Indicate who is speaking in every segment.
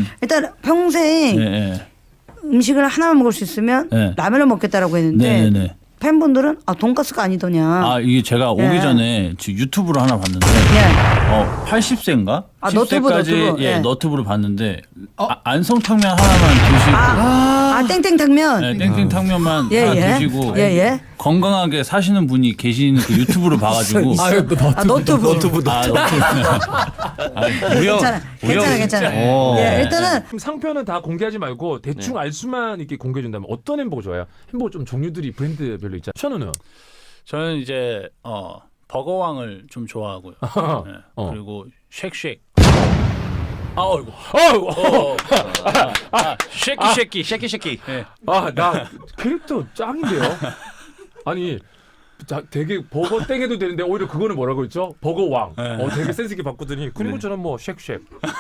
Speaker 1: 일단 평생
Speaker 2: 네.
Speaker 1: 음식을 하나만 먹을 수 있으면
Speaker 2: 네.
Speaker 1: 라면을 먹겠다라고 했는데
Speaker 2: 네.
Speaker 1: 팬분들은 돈가스가 아니더냐.
Speaker 2: 아 이게 제가 오기
Speaker 1: 예.
Speaker 2: 전에 지금 유튜브로 하나 봤는데
Speaker 1: 예.
Speaker 2: 80세인가?
Speaker 1: 너튜브,
Speaker 2: 10세까지
Speaker 1: 너튜브.
Speaker 2: 예,
Speaker 1: 예.
Speaker 2: 너튜브로 봤는데 안성탕면 하나만 드시고
Speaker 1: 땡땡탕면.
Speaker 2: 네, 땡땡탕면만
Speaker 1: 예,
Speaker 2: 하나
Speaker 1: 예.
Speaker 2: 드시고
Speaker 1: 예.
Speaker 2: 건강하게 사시는 분이 계시는 그 유튜브를 봐가지고
Speaker 1: 너튜브.
Speaker 2: 무려
Speaker 1: 괜찮아.
Speaker 2: 오.
Speaker 1: 예, 일단은
Speaker 3: 그럼 상표는 다 공개하지 말고 대충 알 수만 이렇게 공개해준다면 어떤 햄버거 좋아해요? 햄버거 좀 종류들이 브랜드별로 있잖아요. 션우는?
Speaker 2: 저는 이제 버거왕을 좀 좋아하고요. 네. 그리고 쉑쉑. 쉐키. 네.
Speaker 3: 나 캐릭터 짱인데요. 아니 되게 버거 땡해도 되는데 오히려 그거는 뭐라고 했죠? 버거왕. 되게 센스 있게 바꾸더니 그리고 저는 뭐 쉑쉑.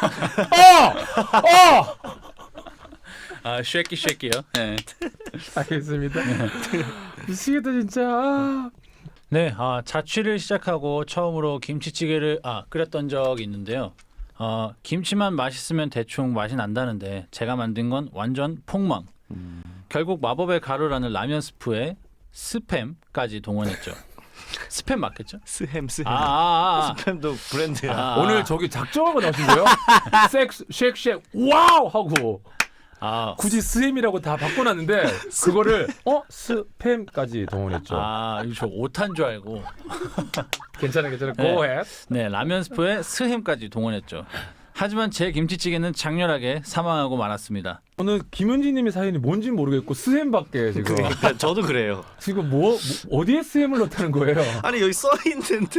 Speaker 2: 쉐키요. 네.
Speaker 3: 알겠습니다. 미치겠다 진짜.
Speaker 2: 네, 자취를 시작하고 처음으로 김치찌개를 끓였던 적이 있는데요. 김치만 맛있으면 대충 맛이 난다는데 제가 만든 건 완전 폭망. 결국 마법의 가루라는 라면 스프에 스팸까지 동원했죠. 스팸 맞겠죠?
Speaker 4: 스햄. 스팸도 브랜드야.
Speaker 3: 오늘 저기 작정하고 나오신 거예요? 쉑쉑 와우 하고 굳이 스햄이라고 다 바꿔놨는데 그거를 스팸까지 동원했죠.
Speaker 2: 이거 저 오탄 줄 알고.
Speaker 3: 괜찮아.
Speaker 2: 네.
Speaker 3: Go ahead.
Speaker 2: 네, 라면 스프에 스햄까지 동원했죠. 하지만 제 김치찌개는 장렬하게 사망하고 말았습니다.
Speaker 3: 오늘 김은지님의 사연이 뭔지 모르겠고 스햄밖에 지금.
Speaker 4: 그러니까 저도 그래요.
Speaker 3: 지금 뭐 어디에 스햄을 넣다는 거예요?
Speaker 4: 아니 여기 써 있는데.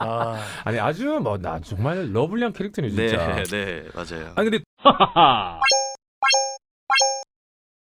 Speaker 3: 아니 아주 나 정말 러블리한 캐릭터네 진짜.
Speaker 4: 네 맞아요.
Speaker 3: 아니 근데